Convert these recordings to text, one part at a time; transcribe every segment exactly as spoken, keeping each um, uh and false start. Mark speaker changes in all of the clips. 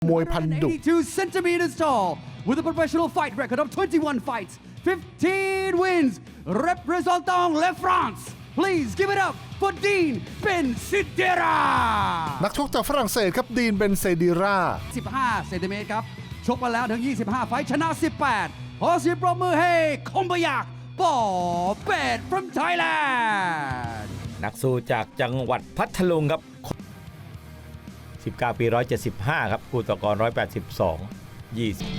Speaker 1: มวยพันดุ
Speaker 2: eighty-two centimeters tall with a professional fight record of twenty-one fights, fifteen wins, representing La France. Please give it up for Dean Bensedera.
Speaker 1: นักชกจากฝรั่งเศสครับดีนเบนเซดิรา
Speaker 2: สิบห้าเซนติเมตรครับชกมาแล้วถึงยี่สิบห้าไฟท์ชนะสิบแปดขอเสียงปรบมือให้คมบยักปอเป็ด from Thailand
Speaker 3: นักสู้จากจังหวัดพัทลุงครับสิบเก้าปีหนึ่งร้อยเจ็ดสิบห้าครับคู่ต่อกรหนึ่งร้อยแปดสิบสอง ยี่สิบ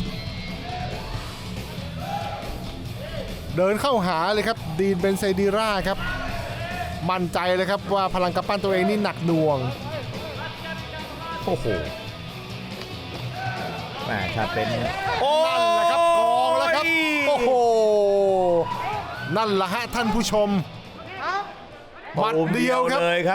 Speaker 1: เดินเข้าหาเลยครับดีนเบนเซดิราครับมั่นใจเลยครับว่าพลังกำปั้นตัวเองนี่หนักหน่วง
Speaker 3: โอ้โหแม่ถ้าเป็นโอ้
Speaker 1: นั่นแหละครับกองแล้วครับโอ้โหนั่นแหละฮะท่านผู้ชมหมัดเดียวครับ
Speaker 3: เลยครับ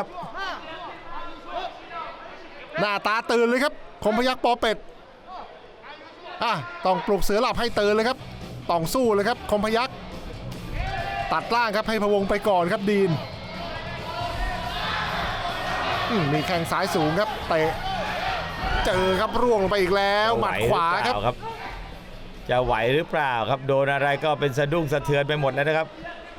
Speaker 1: หน้าตาตื่นเลยครับคมพยัคฆ์ปอเป็ดอ่ะต้องปลุกเสือหลับให้ตื่นเลยครับต้องสู้เลยครับคมพยัคฆ์ตัดล่างครับให้พะวงไปก่อนครับดีนอืมมีแข้งซ้ายสูงครับเตะเจอครับร่วงลงไปอีกแล้วหมัดขวาครับ
Speaker 3: จะไหวหรือเปล่าครับโดนอะไรก็เป็นสะดุ้งสะเทือนไปหมดแล้วนะครับ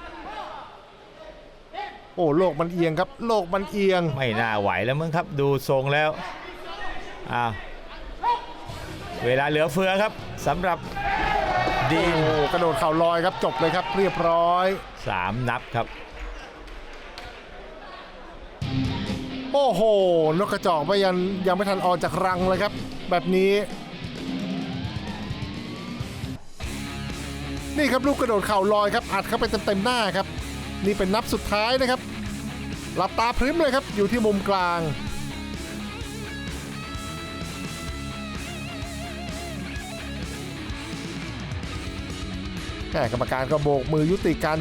Speaker 1: โอ้โลกมันเอียงครับโลกมันเอียง
Speaker 3: ไม่น่าไหวแล้วมั้งครับดูทรงแล้วอ้าวเวลาเหลือเฟือครับสำหรับดีน
Speaker 1: โอ้กระโดดเข่าลอยครับจบเลยครับเรียบร้อย
Speaker 3: สามนับครับ
Speaker 1: โอ้โหนกกระจอกไม่ยังยังไม่ทันออกจากรังเลยครับแบบนี้นี่ครับลูกกระโดดเข่าลอยครับอัดเข้าไปเต็มๆหน้าครับนี่เป็นนับสุดท้ายนะครับหลับตาพริ้มเลยครับอยู่ที่มุมกลางแค่กรรมการก็โบกมือยุติการ